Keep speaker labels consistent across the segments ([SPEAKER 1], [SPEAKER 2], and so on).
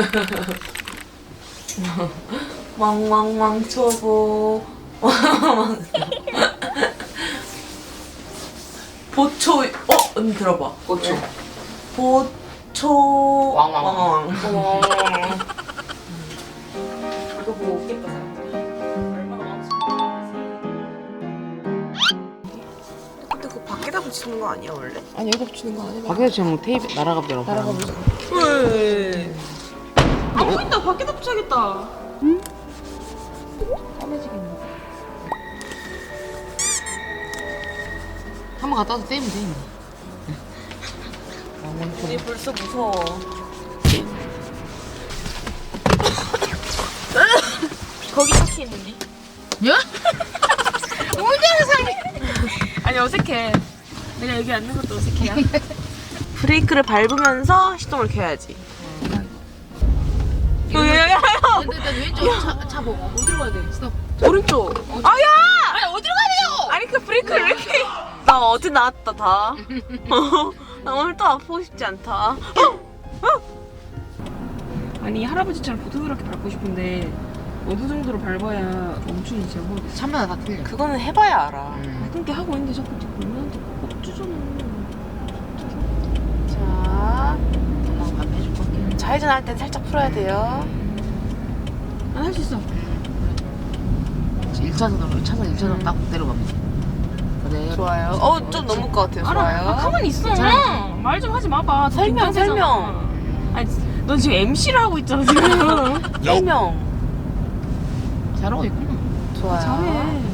[SPEAKER 1] 왕왕왕 초보. 보초. 언니 들어봐.
[SPEAKER 2] 보초.
[SPEAKER 1] 보초.
[SPEAKER 2] 왕왕왕.
[SPEAKER 1] 이거 보고 웃겠다 사람들이. 얼마나 근데 그거 밖에다 붙이는 거 아니야 원래?
[SPEAKER 3] 아니 여기다 붙이는 거 아니야?
[SPEAKER 2] 밖에서 지금 테이프 날아가더라고.
[SPEAKER 3] 날아가보자.
[SPEAKER 1] 왜? 안 보인다. 밖에다 붙여야겠다.
[SPEAKER 3] 까매지겠네.
[SPEAKER 2] 한번 갖다 와서 떼면 돼.
[SPEAKER 1] 우리 벌써 무서워. 거기 차키 있는데?
[SPEAKER 2] 야?
[SPEAKER 1] 아니 어색해. 내가 여기 앉는 것도 어색해요. 브레이크를 밟으면서 시동을 켜야지. 야야야야!
[SPEAKER 2] 일단 왼쪽 차 보고 어디로 가야 돼? 스톱.
[SPEAKER 1] 오른쪽. 아야!
[SPEAKER 2] 아니 어디로 가야 돼요?
[SPEAKER 1] 아니 그 브레이크를 왜 이렇게? 나 어제 나왔다 다. 나 오늘 또 아프고 싶지 않다. 아니 할아버지처럼 부드럽게 밟고 싶은데 어느 정도로 밟아야 멈추는지 잘 모르겠어.
[SPEAKER 2] 차마다 다 틀려.
[SPEAKER 1] 그거는 해봐야 알아.
[SPEAKER 3] 그렇게 하고 있는데 자꾸 보면한테 꼭 주잖아.
[SPEAKER 1] 자,
[SPEAKER 2] 엄마가 밥 해줄 거게.
[SPEAKER 1] 좌회전 할 땐 살짝 풀어야 돼요.
[SPEAKER 3] 난 할 수 있어.
[SPEAKER 2] 1차선으로 1차선 딱 내려갑니다. 네.
[SPEAKER 1] 좋아요. 좀 넘을 것 같아요. 좋아요.
[SPEAKER 3] 가만히 있어.
[SPEAKER 2] 괜찮아.
[SPEAKER 3] 말 좀 하지 마봐.
[SPEAKER 1] 설명.
[SPEAKER 3] 아니, 넌 지금 MC를 하고 있잖아 지금.
[SPEAKER 1] 설명.
[SPEAKER 2] 잘하고 있구나.
[SPEAKER 1] 좋아요.
[SPEAKER 3] 잘해.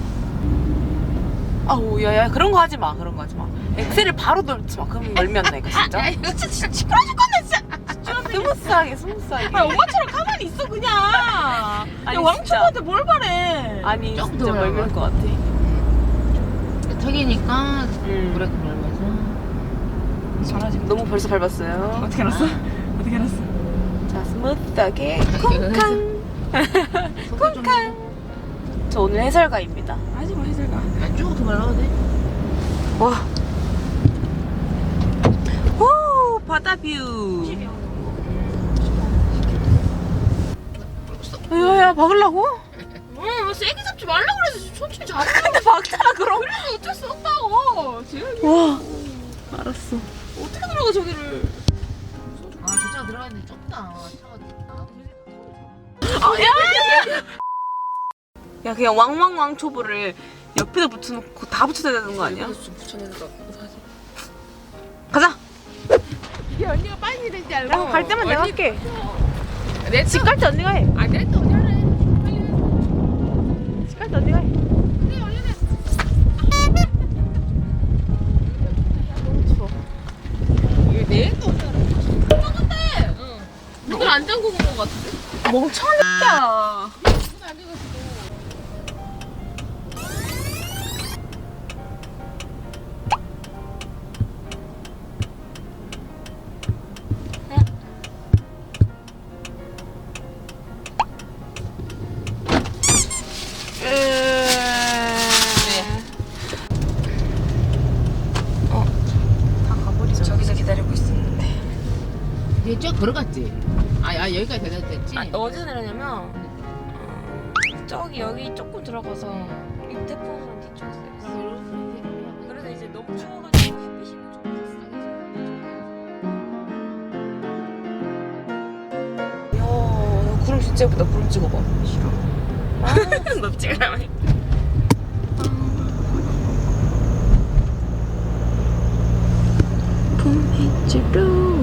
[SPEAKER 1] 아우 야야 그런 거 하지 마. 그런 거 하지 마. 엑셀을 바로 돌지 마. 그럼 멀면 나 이거 진짜.
[SPEAKER 3] 진짜 시끄러 죽 건데 진짜.
[SPEAKER 1] 스무스하게 스무스하게.
[SPEAKER 3] 아 엄마처럼 가만히 있어 그냥.
[SPEAKER 1] 아니,
[SPEAKER 3] 야 왕초보한테 뭘 바래?
[SPEAKER 1] 아니
[SPEAKER 2] 조금
[SPEAKER 1] 진짜
[SPEAKER 2] 더
[SPEAKER 1] 멀면
[SPEAKER 2] 올라가.
[SPEAKER 1] 것 같아.
[SPEAKER 2] 턱이니까 브레이크 밟아서.
[SPEAKER 3] 잘하지.
[SPEAKER 1] 너무 벌써 밟았어요.
[SPEAKER 3] 어떻게 알았어? 어떻게 알았어?
[SPEAKER 1] 자 스무스하게 쿵쾅. 쿵쾅. 저 오늘 해설가입니다.
[SPEAKER 3] 하지 마 해설가.
[SPEAKER 2] 쭉 더 밟아도 돼.
[SPEAKER 1] 와. 오 바다 뷰. 야야 박으려고?
[SPEAKER 3] 응 세게 잡지 말라 그래서 천천히 잡아.
[SPEAKER 1] 근데 박잖아 그럼.
[SPEAKER 3] 그래서 어쩔 수 없다고. 제일
[SPEAKER 1] 와. 알았어.
[SPEAKER 3] 어떻게 들어가 저기를?
[SPEAKER 2] 아, 저 차가 들어가 있는데 좁다. 차가
[SPEAKER 1] 야 그냥 왕왕왕 초보를 옆에다 붙여놓고 다 붙여야 되는 거 아니야?
[SPEAKER 3] 좀 붙여내는 거 사실.
[SPEAKER 1] 가자.
[SPEAKER 3] 이게 언니가 빨리 되지 알고.
[SPEAKER 1] 야, 갈 때만 내가 할게.
[SPEAKER 3] 내
[SPEAKER 1] 집 갈 때 언니가 해.
[SPEAKER 3] 아 내가 언니 할래. 빨리 해.
[SPEAKER 1] 집 갈 때 언니가 해.
[SPEAKER 3] 네 얼른 해.
[SPEAKER 1] 너무 추워.
[SPEAKER 3] 이거 내도 언니 할래. 똑같대. 응. 문을 안 잠그고 온것 같은데?
[SPEAKER 1] 멍청이야.
[SPEAKER 3] 문안 잠그고.
[SPEAKER 1] 다 가버리자. 저기서 기다리고 있었는데.
[SPEAKER 2] 얘 쭉 걸어갔지? 여기까지 됐지?
[SPEAKER 1] 어디서 내렸냐면 저기 여기 조금 들어가서 이 태풍선 뒤쪽에서 내렸어. 그래서 이제 너무 추워가지고 햇빛이 좀 야, 구름 진짜 예쁘다. 구름 찍어봐. 싫어. 너 찍으라며. 봄빛으로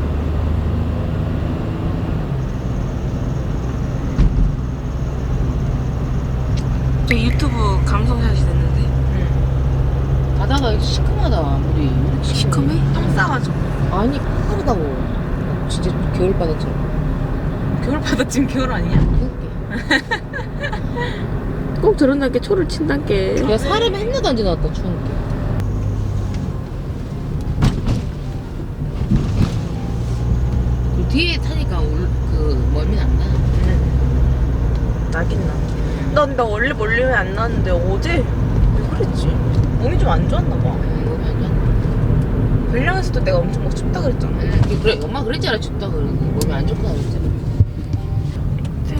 [SPEAKER 1] 저 유튜브 감성샷이 됐는데.
[SPEAKER 2] 바다가 시커하다 물이.
[SPEAKER 1] 시커매? 똥 싸가지고.
[SPEAKER 2] 아니 파르다고. 진짜 겨울바다처럼.
[SPEAKER 1] 겨울바다 지금 겨울 아니냐?
[SPEAKER 2] 그렇게.
[SPEAKER 1] 꼭 저런다게 초를 친단게.
[SPEAKER 2] 야 사람 했나도 안 지나갔다 추운 게. 그 뒤에 타니까 그 멀미 안 나.
[SPEAKER 1] 나긴 나. 나 원래 멀리면 안 나는데 어제 왜 그랬지? 몸이 좀 안 좋았나 봐.
[SPEAKER 2] 몸이 안 나.
[SPEAKER 1] 별량에서도 내가 엄청 막 춥다 그랬잖아.
[SPEAKER 2] 그래 엄마 그랬잖아 춥다 그러고 몸이 안 좋다 그랬잖아.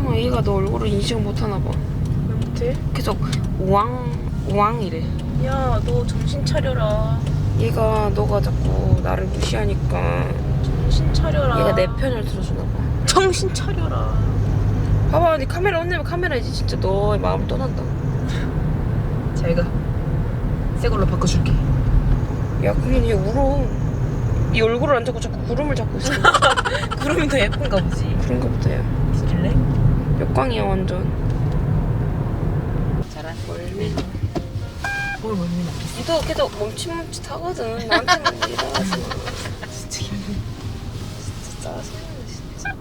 [SPEAKER 1] 얘가 너 얼굴을 인식을 못하나 봐.
[SPEAKER 3] 왜 못해?
[SPEAKER 1] 계속 우왕이래.
[SPEAKER 3] 야, 너 정신 차려라.
[SPEAKER 1] 얘가 너가 자꾸 나를 무시하니까
[SPEAKER 3] 정신 차려라.
[SPEAKER 1] 얘가 내 편을 들어주나 봐.
[SPEAKER 3] 정신 차려라.
[SPEAKER 1] 봐봐, 네 카메라 혼내면 카메라 이제 진짜 너의 마음을 떠난다.
[SPEAKER 3] 잘 가. 새 걸로 바꿔줄게.
[SPEAKER 1] 야, 그러면 얘 울어. 이 얼굴을 안 잡고 자꾸 구름을 잡고 있어.
[SPEAKER 3] 구름이 더 예쁜가 보지.
[SPEAKER 1] 그런가 보다, 야.
[SPEAKER 3] 비길래?
[SPEAKER 1] 역광이야, 완전.
[SPEAKER 2] 잘하네.
[SPEAKER 1] 멀미.
[SPEAKER 3] 뭘 멀미나.
[SPEAKER 1] 니도 계속 멈칫멈칫하거든. 나한테만 일어나지 마.
[SPEAKER 3] 진짜 힘들어.
[SPEAKER 1] 진짜 짜증나, 진짜.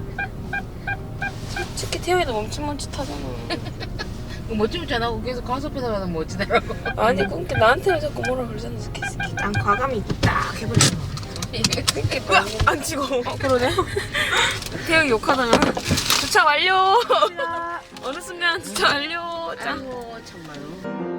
[SPEAKER 1] 솔직히 태영이도 멈칫멈칫하잖아.
[SPEAKER 2] 멋지면 안 하고 계속 가수 앞에서 가면 멋지더라고.
[SPEAKER 1] 아니, 그러니까 나한테는 자꾸 뭐라 그러잖아, 스키.
[SPEAKER 3] 난 과감히 딱 해버리잖아.
[SPEAKER 1] 그렇게
[SPEAKER 3] 뭐야? 안 찍어.
[SPEAKER 1] 그러네. 태영이 욕하다가 주차 완료. 어느 순간 주차 완료. 짱.
[SPEAKER 2] 아이고 참말로.